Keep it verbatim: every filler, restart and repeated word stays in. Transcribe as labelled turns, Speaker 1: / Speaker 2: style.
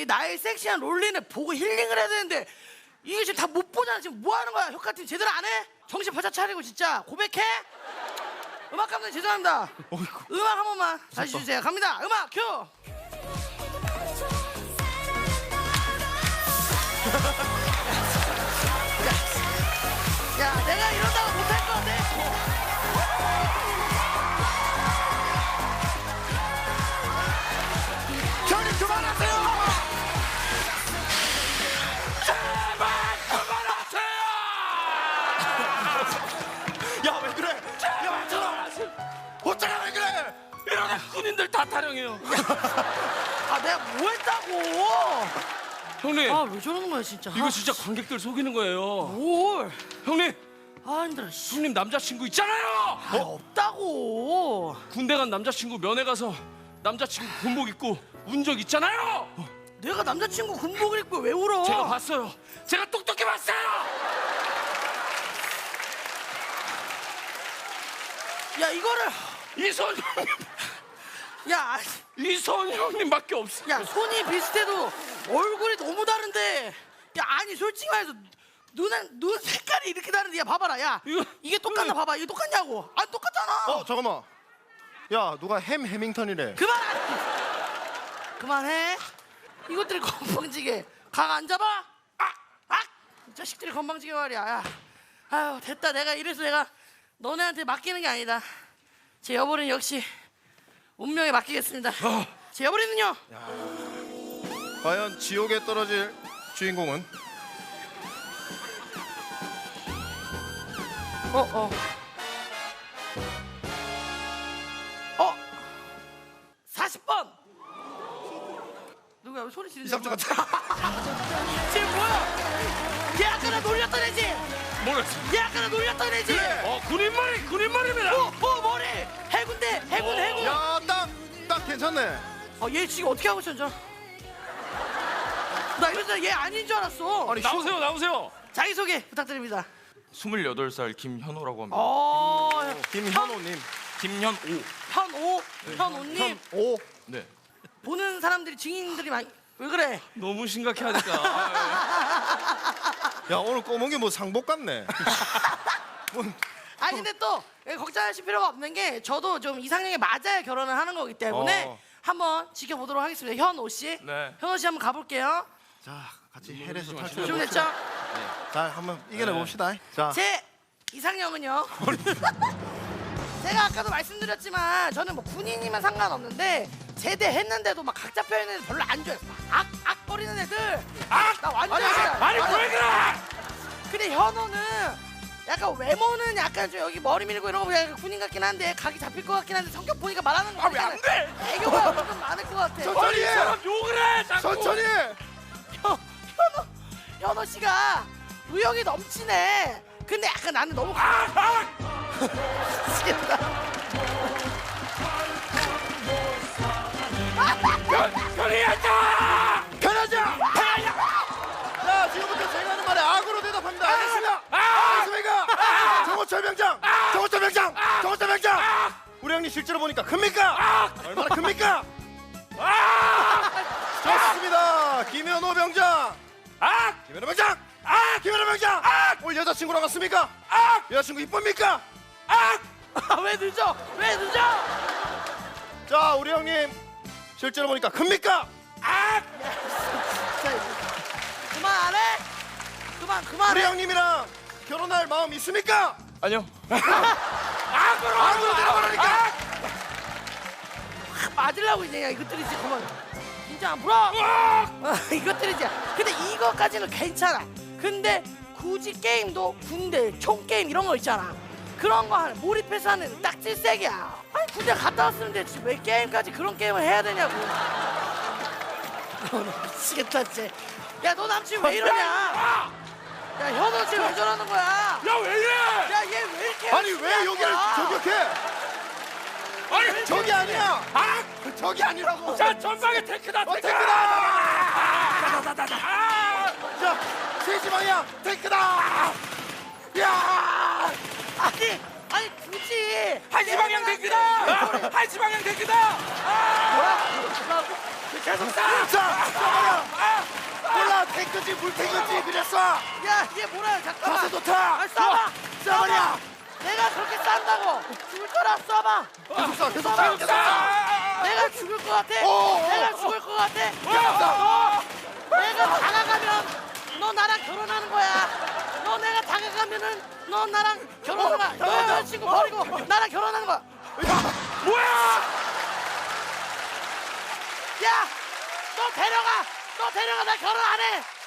Speaker 1: 나의 섹시한 롤린을 보고 힐링을 해야 되는데 이게 지금 다 못 보잖아. 지금 뭐 하는 거야? 효과팀 제대로 안 해? 정신 바짝 차리고 진짜 고백해? 음악 감독님 죄송합니다. 어이구. 음악 한 번만 다시 주세요. 갑니다. 음악 큐. 야, 야, 내가 이런다고 못할 것 같아.
Speaker 2: 형님 그만하세요.
Speaker 3: 제발 그만하세요.
Speaker 2: 야 왜 그래? 야 저러. 어쩌라 왜 그래?
Speaker 3: 이러다 군인들 다 타령해요.
Speaker 1: 아, 내가 뭐 했다고?
Speaker 3: 형님,
Speaker 1: 아, 왜 저러는 거야, 진짜.
Speaker 3: 이거
Speaker 1: 아,
Speaker 3: 진짜 관객들 속이는 거예요.
Speaker 1: 뭘?
Speaker 3: 형님,
Speaker 1: 아, 힘들어, 씨.
Speaker 3: 형님 남자친구 있잖아요.
Speaker 1: 아, 없다고.
Speaker 3: 군대 간 남자친구 면회 가서 남자친구 군복 입고 운 적 있잖아요.
Speaker 1: 내가 남자친구 군복을 입고 왜 울어?
Speaker 3: 제가 봤어요. 제가 똑똑히 봤어요.
Speaker 1: 야, 이거를.
Speaker 3: 이선 형님,
Speaker 1: 야,
Speaker 3: 이선 형님밖에 없어요.
Speaker 1: 야, 손이 비슷해도 얼굴이 너무 다른데. 야, 아니, 솔직히 말해서 눈은, 눈 색깔이 이렇게 다른데. 야, 봐봐라. 야,
Speaker 3: 이거-
Speaker 1: 이게 똑같나 봐봐. 이게 똑같냐고. 안 똑같잖아.
Speaker 2: 어 잠깐만. 야 누가 햄 해밍턴이래.
Speaker 1: 그만! 그만해. 이것들이 건방지게 각 안 잡아? 아! 아! 이 자식들이 건방지게 말이야. 야. 아유, 됐다. 내가 이래서 내가 너네한테 맡기는 게 아니다. 제 여보는 역시 운명에 맡기겠습니다. 제 여보는요?
Speaker 2: 과연 지옥에 떨어질 주인공은?
Speaker 1: 어, 어. 어! 사십 번! 누구야? 왜 소리 지르는
Speaker 2: 이삼조 같아.
Speaker 1: 쟤 뭐야? 얘 아까 나 놀렸던 애지?
Speaker 3: 뭐랬어?
Speaker 1: 얘 아까 나 놀렸던 애지?
Speaker 2: 그래.
Speaker 3: 어, 군인말이 군인말입니다.
Speaker 1: 어, 어, 머리! 해군대! 해군,
Speaker 3: 어.
Speaker 1: 해군!
Speaker 2: 야딱 딱 괜찮네.
Speaker 1: 아, 얘 지금 어떻게 하고 있었죠? 나 이러다 얘 아닌 줄 알았어.
Speaker 2: 아니
Speaker 3: 나오세요, 나오세요.
Speaker 1: 자기소개 부탁드립니다.
Speaker 4: 스물여덟 살 김현호라고 합니다.
Speaker 1: 어,
Speaker 2: 김현호님.
Speaker 4: 김현오.
Speaker 1: 현오, 현오님.
Speaker 2: 오.
Speaker 4: 네.
Speaker 1: 보는 사람들이, 증인들이 많이. 왜 그래?
Speaker 3: 너무 심각해 하니까. 아,
Speaker 2: 야 오늘 꼬문 게 뭐 상복 같네. 뭐,
Speaker 1: 아니, 근데 또 걱정하실 필요가 없는 게 저도 좀 이상형에 맞아야 결혼을 하는 거기 때문에
Speaker 2: 어.
Speaker 1: 한번 지켜보도록 하겠습니다. 현오 씨.
Speaker 4: 네.
Speaker 1: 현오 씨 한번 가볼게요.
Speaker 2: 자 같이 헬에서 탈출해.
Speaker 1: 준비됐죠?
Speaker 2: 자 한번 이겨내 봅시다. 자.
Speaker 1: 제 이상형은요. 제가 아까도 말씀드렸지만 저는 뭐 군인이면 상관없는데 제대했는데도 막 각 잡혀 있는 애들 별로 안 좋아해요. 악악 거리는 애들.
Speaker 3: 악!
Speaker 1: 나 완전
Speaker 3: 아니,
Speaker 1: 싫어요.
Speaker 3: 아니,
Speaker 1: 맞아.
Speaker 3: 왜 그래?
Speaker 1: 근데 현호는 약간 외모는 약간 좀 여기 머리 밀고 이런 거 보면 약간 군인 같긴 한데 각이 잡힐 것 같긴 한데 성격 보니까 말하는 거
Speaker 3: 아, 왜 안 돼?
Speaker 1: 애교가 좀 많을 것 같아.
Speaker 2: 천천히
Speaker 3: 아니, 이
Speaker 2: 해.
Speaker 3: 사람 욕을 해, 자꾸.
Speaker 2: 천천히.
Speaker 1: 현, 현호 현호 씨가 의욕이 넘치네. 근데 약간 나는 너무
Speaker 3: 아, 아!
Speaker 1: 미치겠다.
Speaker 3: 편히하자!
Speaker 2: 편하자. 자 지금부터 제가 하는 말에 악으로 대답합니다. 알겠습니다.
Speaker 3: 아!
Speaker 2: 알겠습니까? 정호철 병장. 정호철 병장. 정호철 병장. 우리 형님 실제로 보니까 큽니까? 얼마나 큽니까? 좋습니다. 김현호 병장.
Speaker 3: 아!
Speaker 2: 김현호 병장. 아! 김현호 병장. 아! 오늘 여자친구랑 왔습니까? 아! 여자친구 이쁩니까?
Speaker 3: 아!
Speaker 1: 아, 왜 늦어? 왜 늦어?
Speaker 2: 자 우리 형님 실제로 보니까 큽니까?
Speaker 3: 아!
Speaker 1: 진짜 그만 안 해? 그만 그만.
Speaker 2: 우리 형님이랑 결혼할 마음 있습니까?
Speaker 4: 아니요.
Speaker 3: 악으로!
Speaker 2: 악으로 대답하라니까.
Speaker 1: 맞으려고 이제 이것들이 이제 그만. 진짜 안 풀어. 어, 이것들이 이제. 근데 이거까지는 괜찮아. 근데 굳이 게임도 군대 총 게임 이런 거 있잖아. 그런 거 하는 몰입해서 하는 딱 질색이야. 아니 군대 갔다 왔으면 됐지 왜 게임까지 그런 게임을 해야 되냐고. 너 미치겠다 진짜. 야 너 남친 왜 이러냐? 야 현호 씨 왜 저러는 거야?
Speaker 3: 야, 왜 이래?
Speaker 1: 야 얘 왜 이렇게
Speaker 2: 아니 왜
Speaker 1: 열심히
Speaker 2: 여기를
Speaker 1: 하는 거야?
Speaker 2: 저격해?
Speaker 3: 아니,
Speaker 2: 저기 아니야.
Speaker 3: 아!
Speaker 2: 저기 아니라고.
Speaker 3: 자, 전방에 탱크다,
Speaker 2: 어,
Speaker 3: 탱크다!
Speaker 2: 탱크다!
Speaker 3: 다다다다다! 아!
Speaker 2: 자, 세시 방향 탱크다. 야!
Speaker 1: 아니 아니 굳이
Speaker 3: 한시 방향 탱크다! 한시 방향 탱크다! 아!
Speaker 1: 뭐야? 계속 쏴.
Speaker 2: 자, 쏴버려. 몰라, 탱크지 물탱크지 그냥 쏴.
Speaker 1: 야 이게 뭐야 잠깐만.
Speaker 2: 가서 놓다.
Speaker 1: 아, 쏴봐.
Speaker 2: 쏴버려.
Speaker 1: 내가 그렇게 싼다고 죽을 거라 쏴봐.
Speaker 2: 계속 쏴, 계속
Speaker 1: 쏴봐.
Speaker 2: 쏴, 계속 쏴.
Speaker 1: 내가 죽을 것 같아.
Speaker 2: 오, 오.
Speaker 1: 내가 죽을 것 같아.
Speaker 2: 쏴.
Speaker 1: 내가 다가가면 너 나랑 결혼하는 거야. 너 내가 다가가면은 너 나랑 결혼하는 거야. 너 여자친구 버리고 나랑 결혼하는 거야.
Speaker 3: 뭐야?
Speaker 1: 야, 너 데려가. 너 데려가. 나 결혼 안 해.